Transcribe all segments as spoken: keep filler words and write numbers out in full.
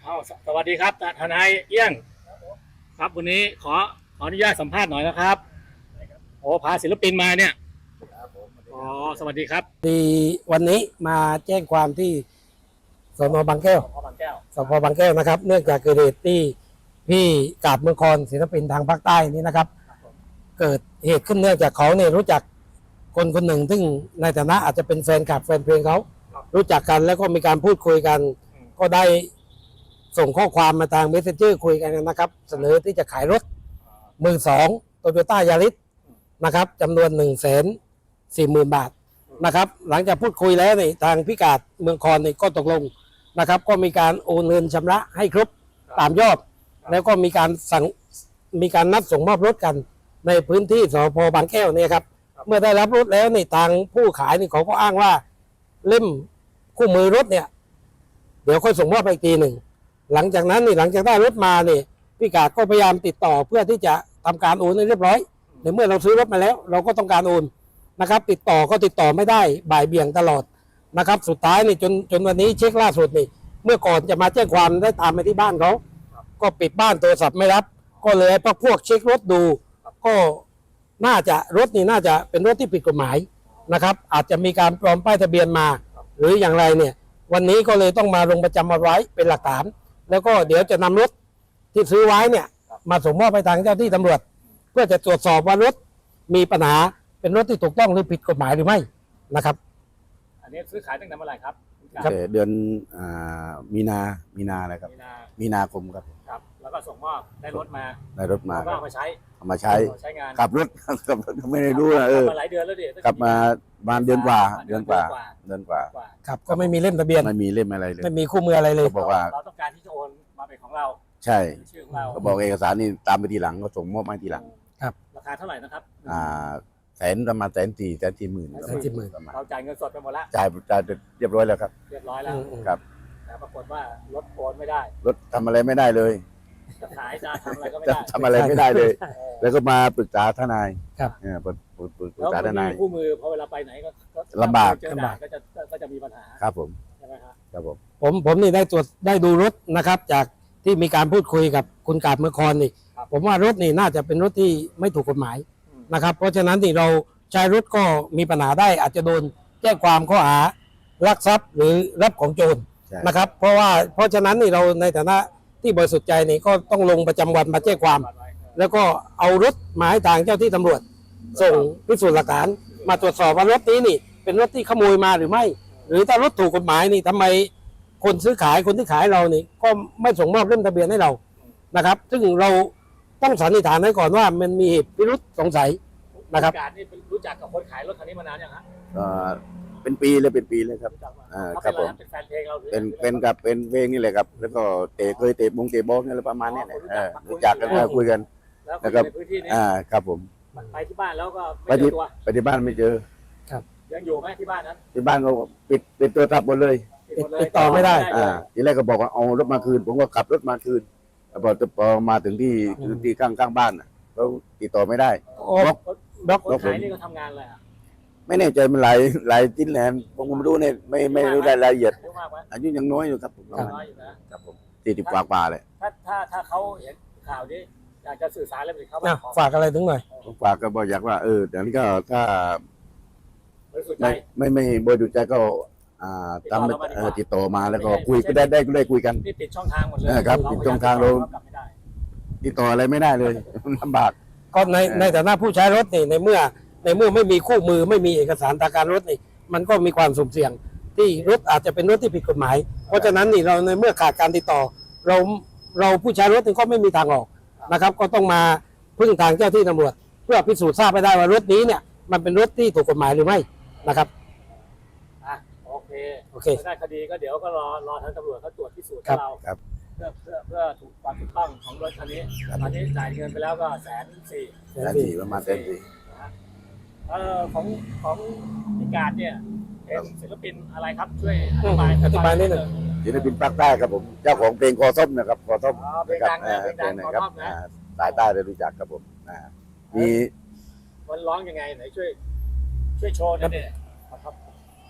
เอาสวัสดีครับทนายเอี้ยงครับวันนี้ขอขออนุญาตสัมภาษณ์หน่อยนะครับโอ้พาศิลปินมาเนี่ยอ๋อสวัสดีครับดีวันนี้มาแจ้งความที่สนบางแก้วสพบางแก้วสพบางแก้วนะครับ เนื่องจากเกิดเหตุที่พี่กาบเมืองคอนศิลปินทางภาคใต้นี้นะครับ เกิดเหตุขึ้นเนื่องจากเขาเนี่ยรู้จักคนคนหนึ่งซึ่งในฐานะอาจจะเป็นแฟนคลับแฟนเพลงเขารู้จักกันแล้วก็มีการพูดคุยกัน ก็ได้ส่งข้อความมาทางเมสเซนเจอร์คุยกันนะครับ เสนอที่จะขายรถมือสองโตโยต้ายาริสนะครับจำนวนหนึ่งแสนสี่หมื่นบาทนะครับ หลังจากพูดคุยแล้วนี่ทางพิกาดเมืองคอนนี่ก็ตกลงนะครับ ก็มีการโอนเงินชำระให้ครบตามยอด แล้วก็มีการสั่งมีการนัดส่งมอบรถกันในพื้นที่สพบางแก้วเนี่ยครับ เมื่อได้รับรถแล้วนี่ทางผู้ขายนี่เขาก็อ้างว่าเล่มคู่มือรถเนี่ยเดี๋ยวค่อยส่งมอบไปอีกทีหนึ่งหลังจากนั้นนี่หลังจากได้รถมาเนี่ยพี่กาดก็พยายามติดต่อเพื่อที่จะทำการโอนให้เรียบร้อยในเมื่อเราซื้อรถมาแล้ว เราก็ต้องการโอนนะครับ ติดต่อก็ติดต่อไม่ได้บ่ายเบี่ยงตลอดนะครับ สุดท้ายนี่จนจนวันนี้เช็คล่าสุดนี่เมื่อก่อนจะมาแจ้งความได้ตามไปที่บ้านเขาก็ปิดบ้านโทรศัพท์ไม่รับก็เลยพวกพวกเช็ครถดูก็น่าจะรถนี่น่าจะเป็นรถที่ผิดกฎหมายนะครับ อาจจะมีการปลอมป้ายทะเบียนมา หรืออย่างไรเนี่ยวันนี้ก็เลยต้องมาลงประจำวันไว้เป็นหลักฐานแล้วก็เดี๋ยวจะนำรถที่ซื้อไว้เนี่ยมาส่งมอบไปทางเจ้าที่ตำรวจ เพื่อจะตรวจสอบว่ารถมีปัญหาเป็นรถที่ถูกต้องหรือผิดกฎหมายหรือไม่นะครับอันนี้ซื้อขายตั้งแต่เมื่อไหร่ครับเดือนมีนา มีนาอะไรครับ มีนาคมครับครับแล้วก็ส่งมอบได้รถมาได้รถมาก็เอามาใช้เอามาใช้ใช้งานขับรถขับรถไม่ได้รู้นะเออหลายเดือนแล้วดิขับมาประมาณเดือนกว่าเดือนกว่าเดือนกว่าครับก็ไม่มีเล่มทะเบียนไม่มีเล่มอะไรเลยไม่มีคู่มืออะไรเลยเขาบอกว่าเราต้องการที่จะโอนมาเป็นของเราใช่ชื่อของเราเขาบอกเอกสารนี่ตามไปทีหลังก็ส่งมอบมาทีหลังครับราคาเท่าไหร่นะครับอ่าแสนประมาณแสนสี่แสนสี่หมื่นแสนสี่หมื่นเราจ่ายเงินสดไปหมดแล้วจ่ายจ่ายเรียบร้อยแล้วครับเรียบร้อยแล้วครับแต่ปรากฏว่ารถโอนไม่ได้รถทำอะไรไม่ได้เลยจะขายจะทำอะไรก็ไม่ได้ทำอะไรไม่ได้เลย แล้วก็มาปรึกษาทนายครับเนี่ยปรึกษาทนายคู่มือพอเวลาไปไหนก็ลำบากลำบากก็จะก็จะมีปัญหาครับผมใช่ไหมครับครับผมผมผมนี่ได้ตรวจได้ดูรถนะครับ จากที่มีการพูดคุยกับคุณกาบเมืองคอนนี่ผมว่ารถนี่น่าจะเป็นรถที่ไม่ถูกกฎหมายนะครับ เพราะฉะนั้นที่เราใช้รถก็มีปัญหาได้อาจจะโดนแจ้งความข้อหาลักทรัพย์หรือรับของโจรนะครับ เพราะว่าเพราะฉะนั้นนี่เราในฐานะที่บริสุทธิ์ใจนี่ก็ต้องลงประจำวันมาแจ้งความ แล้วก็เอารถมาให้ทางเจ้าที่ตำรวจส่งพิสูจน์หลักฐานมาตรวจสอบว่ารถนี้นี่เป็นรถที่ขโมยมาหรือไม่ หรือถ้ารถถูกกฎหมายนี่ทำไมคนซื้อขายคนที่ขายเรานี่ก็ไม่ส่งมอบเล่มทะเบียนให้เรานะครับ ซึ่งเราต้องสันนิษฐานไว้ก่อนว่ามันมีเหตุพิรุษสงสัยนะครับการนี่รู้จักกับคนขายรถคันนี้มานานยังฮะเป็นปีเลยเป็นปีเลยครับอ่าครับผมเป็นแฟนเพลงเราเป็นเป็นกับเป็นเพลงนี่แหละครับแล้วก็เตะเคยเตะบงเตะบอลนี่อะไรประมาณนี้แหละรู้จักกันคุยกันแล้วก็อ่าครับผมไปที่บ้านแล้วก็ไม่เจอตัวไปที่บ้านไม่เจอครับยังอยู่ไหมที่บ้านนั้นที่บ้านเขาปิดปิดตัวทับหมดเลยติดต่อไม่ได้อ่าทีแรกก็บอกว่าเอารถมาคืนผมก็ขับรถมาคืนพอพอมาถึงที่ที่ข้างข้างบ้านเขาติดต่อไม่ได้บล็อกบล็อกคนขายนี่ก็ทำงานอะไรไม่แน่ใจมันหลายหลายจิ้นแหลมผมไม่รู้เนี่ยไม่ไม่รู้รายละเอียดอายุยังน้อยอยู่ครับผมน้อยอยู่นะครับผมสี่สิบกว่ากว่าเลยถ้าถ้าถ้าเขาเห็นข่าวนี้อยากจะสื่อสารอะไรไปเขาฝากอะไรถึงหน่อยฝากก็บอกอยากว่าเอออย่างนี้ก็ถ้าไม่ไม่ไม่บริสุทธิ์ใจก็อ่าตามติดต่อมาแล้วก็คุยก็ได้ได้ก็ได้คุยกันปิดช่องทางหมดเลยครับปิดช่องทางเราติดต่ออะไรไม่ได้เลยลำบากก็ในในฐานะผู้ใช้รถนี่ในเมื่อในเมื่อไม่มีคู่มือไม่มีเอกสารทางการรถนี่มันก็มีความสุ่มเสี่ยงที่รถอาจจะเป็นรถที่ผิดกฎหมายเพราะฉะนั้นนี่เราในเมื่อขาดการติดต่อเราเราผู้ใช้รถนี่ก็ไม่มีทางออกนะครับก็ต้องมาพึ่งทางเจ้าที่ตำรวจเพื่อพิสูจน์ทราบไปได้ว่ารถนี้เนี่ยมันเป็นรถที่ถูกกฎหมายหรือไม่นะครับอ่ะโอเคโอเคได้คดีก็เดี๋ยวก็รอรอทางตำรวจเขาตรวจพิสูจน์ให้เราเพื่อเพื่อเพื่อถูกความถูกต้องของรถคันนี้ตอนนี้จ่ายเงินไปแล้วก็แสนสี่แสนสี่ประมาณแสนสี่เอ่อของของพิการเนี่ยเป็นศิลปินอะไรครับช่วยอธิบายอธิบายนิดหนึ่งศิลปินภาคใต้ครับผมเจ้าของเพลงคอส้มนะครับคอส้มนะครับเพลงดังนะครับสายใต้ได้รู้จักครับผมมีมันร้องยังไงไหนช่วยช่วยโชว์หน่อยดิครับ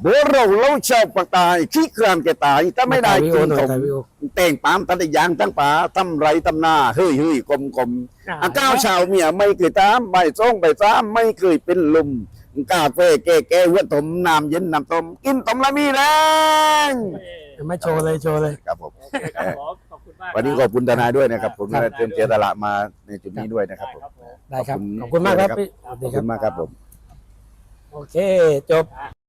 โบเราเล่าชาวปากตายขี้ครานแกตายถ้าไม่ได้ถ่ายวิกิโอน หน่อขยมถ่ายวิโอแต่งปามตัดยางตั้งป่าทำไรทำหน้าเฮ้ยเฮ้ยกลมกลมอาก้าวชาวเมียไม่เคยตามใบซ่งใบซ้ำไม่เคยเป็นลมกาแฟแก่แก่หัวถมน้ำเย็นน้ำต้มกินต้มละมีแรงไม่โชว์เลยโชว์เลยครับผมโอเคครับผมขอบคุณมากวันนี้ขอบคุณทนายด้วยนะครับ ผมครับได้เตรียมเสียสละมาในจุดนี้ด้วยนะครับผมได้ครับผมได้ครับ ขอบคุณมากครับพี่สวัสขดีอบครัคุบณมากครับผมโอเค จบ